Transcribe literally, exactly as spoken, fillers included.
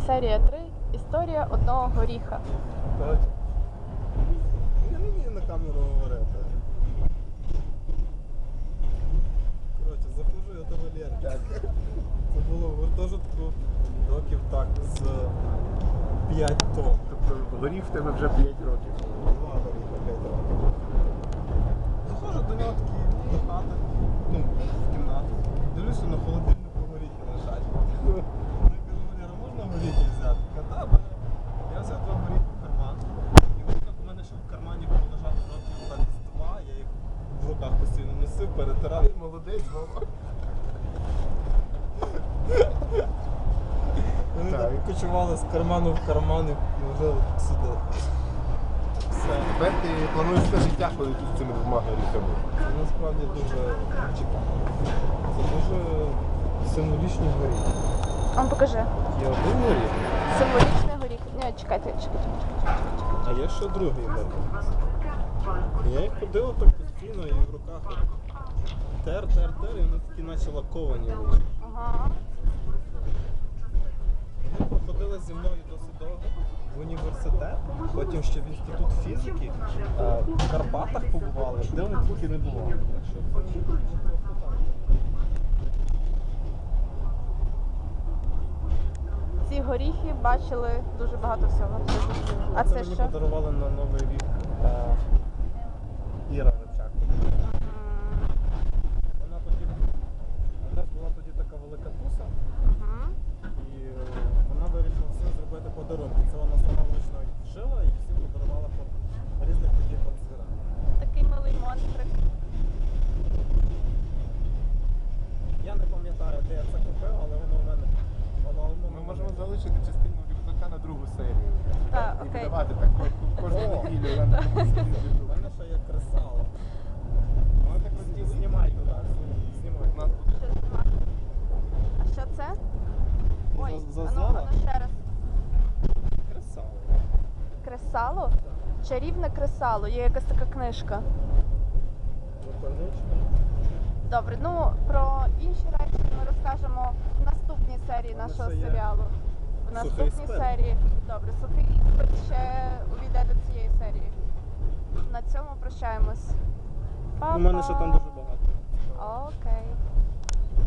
Серія три. Історія одного горіха. Коротше, я не вмію на камеру говорити. Коротше, заходжу я до Валерки. Це було в гуртожитку років так з п'ять тому. Тобто горіх в тебе вже п'ять років. Два горіха, п'ять років. Заходжу до нього такий до хати, ну, в кімнату. Дивлюся, на холодильнику горіхи лежать. Я кажу, Валера, можна горіхи взяти? Ката, бере. Я взяв два горіхи в карман. І вони так у мене ще в кармані було лежати років так з два. Я їх в руках постійно носив, перетирав. Молодець, Вова. Вони Так. так кочували з карману в карман і вже сюди. Все. Тепер ти плануєш все життя ходити з цими двома горіхами. Це насправді дуже цікаво. Це дуже символічні горіхи. А ну, покажи. Є один горіх, Символічний горіх. Ні, чекайте, чекайте, чекайте. а є ще другий горіх. І я їх ходив так постійно і в руках от тер, тер, тер, і вони такі наче лаковані вийшли. Ага. Вони проходили зі мною досить довго в університет, потім ще в інститут фізики, е, в Карпатах побували, де вони тільки не бували. Так що це просто так. Ці горіхи бачили дуже багато всього. А це мені що? подарували на Новий рік е, Іра Ричак. Вона тоді, у нас була тоді така велика туса, Мгм. і е, вона вирішила всім зробити подарунки. Це вона сама вручну їх вшила і всім подарувала по різних таких от звірах. Такий милий монстрик. Я не пам'ятаю, де я це купив, але воно у мене. Воно, воно, Ми можемо залишити частину рюкзака на другу серію. Так, І окей. видавати так ко- кожну О. неділю. У мене ще є кресало. Воно так розділити. Знімай туди, знімай. У нас буде. Що знімати? А що це? Ой, За- ану, зазнала? ану ще раз. Кресало. Кресало? Чарівне кресало. Є якась така книжка. Напевничка. Добре, ну про інші речі ми розкажемо в наступній серії Мене нашого ще є серіалу. В сухий наступній спирт. серії. Добре, сухий спирт ще увійде до цієї серії. На цьому прощаємось. У мене ще там дуже багато. Окей.